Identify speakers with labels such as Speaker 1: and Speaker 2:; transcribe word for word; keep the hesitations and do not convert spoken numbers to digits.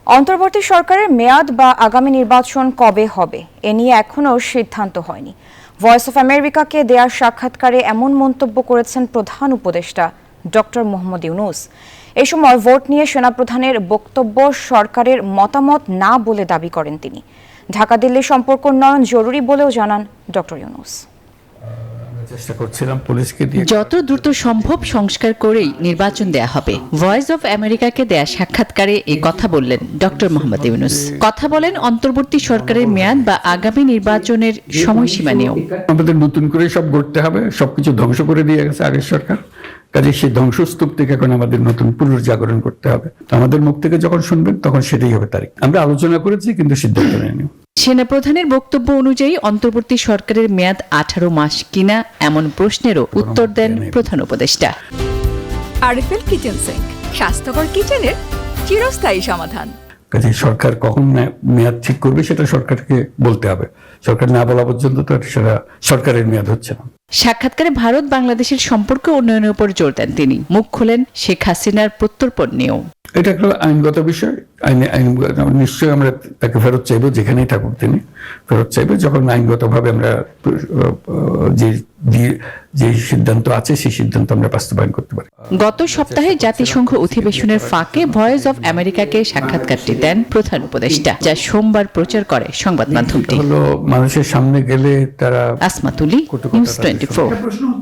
Speaker 1: অন্তর্বর্তী সরকারের মেয়াদ বা আগামী নির্বাচন কবে হবে এ নিয়ে এখনও সিদ্ধান্ত হয়নি। ভয়েস অফ আমেরিকাকে দেয়া সাক্ষাৎকারে এমন মন্তব্য করেছেন প্রধান উপদেষ্টা ডক্টর মোহাম্মদ ইউনূস। এই সময় ভোট নিয়ে সেনাপ্রধানের বক্তব্য সরকারের মতামত না বলে দাবি করেন তিনি। ঢাকা দিল্লি সম্পর্ক উন্নয়ন জরুরি বলেও জানান ডক্টর ইউনূস।
Speaker 2: চেষ্টা করছিলাম পুলিশকে দিয়ে
Speaker 3: যত দ্রুত সম্ভব সংস্কার করেই নির্বাচন দেয়া হবে। ভয়েস অফ আমেরিকাকে দেয়া সাক্ষাৎকারে এই কথা বললেন ডক্টর মোহাম্মদ ইউনূস। কথা বলেন অন্তর্বর্তী সরকারের মেয়াদ বা আগামী নির্বাচনের সময়সীমা নিয়েও।
Speaker 2: আমাদের নতুন করে সব গড়তে হবে, সবকিছু ধ্বংস করে দিয়ে গেছে আগের সরকার। কাজে সেই ধ্বংসস্তূপ থেকে এখন আমাদের নতুন পুনর্জাগরণ করতে হবে। আমাদের মুখ থেকে যখন শুনবেন তখন সেটাই হবে তারিখ। আমরা আলোচনা করেছি কিন্তু সিদ্ধান্ত নেইনি।
Speaker 3: সেনাপ্রধানের বক্তব্য অনুযায়ী অন্তর্বর্তী সরকারের মেয়াদ আঠারো মাস কিনা এমন প্রশ্নেরও উত্তর দেন প্রধান উপদেষ্টা।
Speaker 4: আরএফএল কিচেন সিঙ্ক, স্বাস্থ্যকর কিচেনের চিরস্থায়ী সমাধান।
Speaker 2: কাজে সরকার কখন মেয়াদ ঠিক করবে সেটা সরকারকে বলতে হবে। সরকার না বলা পর্যন্ত তো সেটা সরকারের মেয়াদ হচ্ছে না।
Speaker 3: সাক্ষাৎকারে ভারত বাংলাদেশের সম্পর্ক উন্নয়নের উপর জোর দেন তিনি। মুখ খোলেন শেখ হাসিনার প্রত্যর্পণ নিয়েও।
Speaker 2: এটা একটা আইনগত বিষয়। আইনে আইন নিশ্চয়ই আমরা তাকে ফেরত চাইবো, যেখানেই থাকুক তিনি ফেরত চাইবো, যখন আইনগতভাবে আমরা যে যে সিদ্ধান্ত আছে সেই সিদ্ধান্ত আমরা বাস্তবায়ন করতে পারি।
Speaker 3: গত সপ্তাহে জাতিসংঘ অধিবেশনের ফাঁকে ভয়েস অফ আমেরিকাকে সাক্ষাৎকারটি দেন প্রধান উপদেষ্টা, যা সোমবার প্রচার করে সংবাদ মাধ্যমটি।
Speaker 2: হলো মানুষের সামনে গেলে তারা
Speaker 3: আসমা তুলি, নিউজ টোয়েন্টি ফোর।